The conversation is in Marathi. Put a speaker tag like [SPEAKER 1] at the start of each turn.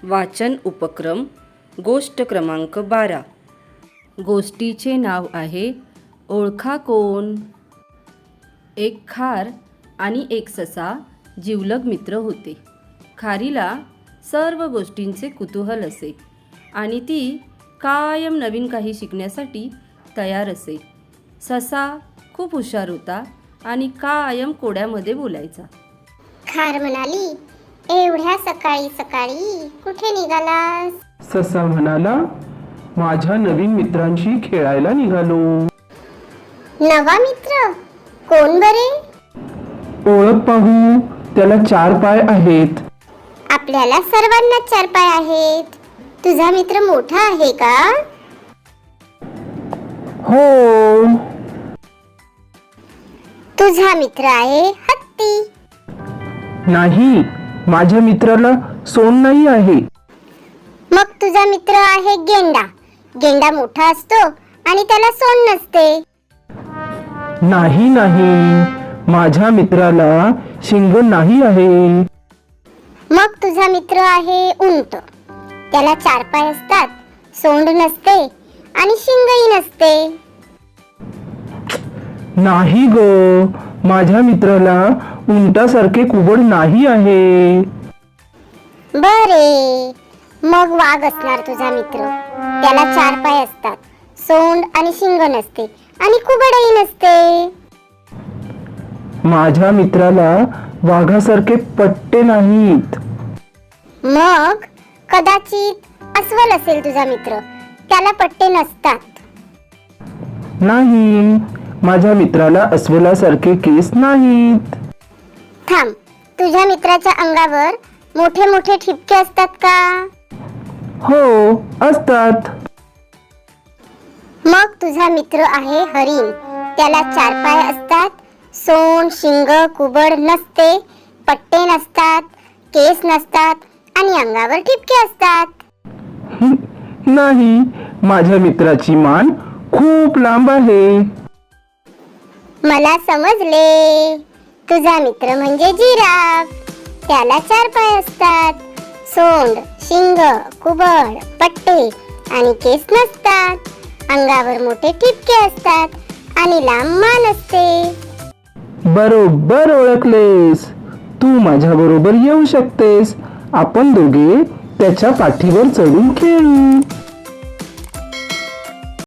[SPEAKER 1] वाचन उपक्रम गोष्ट क्रमांक 12. गोष्टीचे नाव आहे ओळखा कोण. एक खार आणि एक ससा जिवलग मित्र होते. खारीला सर्व गोष्टींचे कुतूहल असे आणि ती कायम नवीन काही शिकण्यासाठी तयार असे. ससा खूप हुशार होता आणि कायम कोड्यामध्ये बोलायचा.
[SPEAKER 2] खार म्हणाली, एवढ्या सकाळी सकाळी कुठे निघालास?
[SPEAKER 3] ससा म्हणाला, माझ्या नवीन मित्रांशी खेळायला निघालो.
[SPEAKER 2] नवा मित्र? कोण बरे?
[SPEAKER 3] ओळख पाहू, त्याला 4 पाय आहेत.
[SPEAKER 2] आपल्याला सर्वांना 4 पाय आहेत. तुझा मित्र मोठा आहे का?
[SPEAKER 3] हो.
[SPEAKER 2] तुझा मित्र आहे हत्ती.
[SPEAKER 3] नाही, माझ्या मित्राला सोंड नाही आहे.
[SPEAKER 2] मग तुझा मित्र आहे गेंडा. गेंडा मोठा असतो आणि त्याला सोंड नसते.
[SPEAKER 3] नाही नाही, माझ्या मित्राला शिंग नाही आहे.
[SPEAKER 2] मग तुझा मित्र आहे उंट. त्याला 4 पाय असतात, सोंड नसते आणि शिंगही नसते.
[SPEAKER 3] नाही ग, माझ्या मित्राला उंटासारखे कुबड नाही आहे.
[SPEAKER 2] बरे, मग वाघ असणार तुझा मित्र. त्याला 4 पाय असतात, सोंड आणि शिंग नसते आणि कुबडही नसते.
[SPEAKER 3] माझ्या मित्राला वाघासारखे पट्टे नाहीत.
[SPEAKER 2] मग कदाचित अस्वल असेल तुझा मित्र. त्याला पट्टे नसतात.
[SPEAKER 3] नाही, माझ्या मित्राला अस्वलासारखे केस नाहीत.
[SPEAKER 2] थांब, तुझ्या मित्राच्या अंगावर मोठे मोठे ठिपके असतात का?
[SPEAKER 3] हो, असतात.
[SPEAKER 2] मग तुझा मित्र आहे हरिण. त्याला 4 पाय असतात, सोंड शिंग कुबड नसते, पट्टे नसतात, केस नसतात आणि अंगावर ठिपके असतात.
[SPEAKER 3] नाही, माझ्या मित्राची मान खूप लांब आहे.
[SPEAKER 2] मला समजले. तुझा मित्र म्हणजे जिराफ. त्याला 4 पाय असतात, सोंड शिंग कुबड पट्टे आणि केस नसतात, अंगावर मोठे ठिपके असतात आणि लांब मान असते.
[SPEAKER 3] बरोबर ओळखलेस. तू माझ्या बरोबर येऊ शकतेस. आपण दोघे त्याच्या पाठीवर चढून खेळू.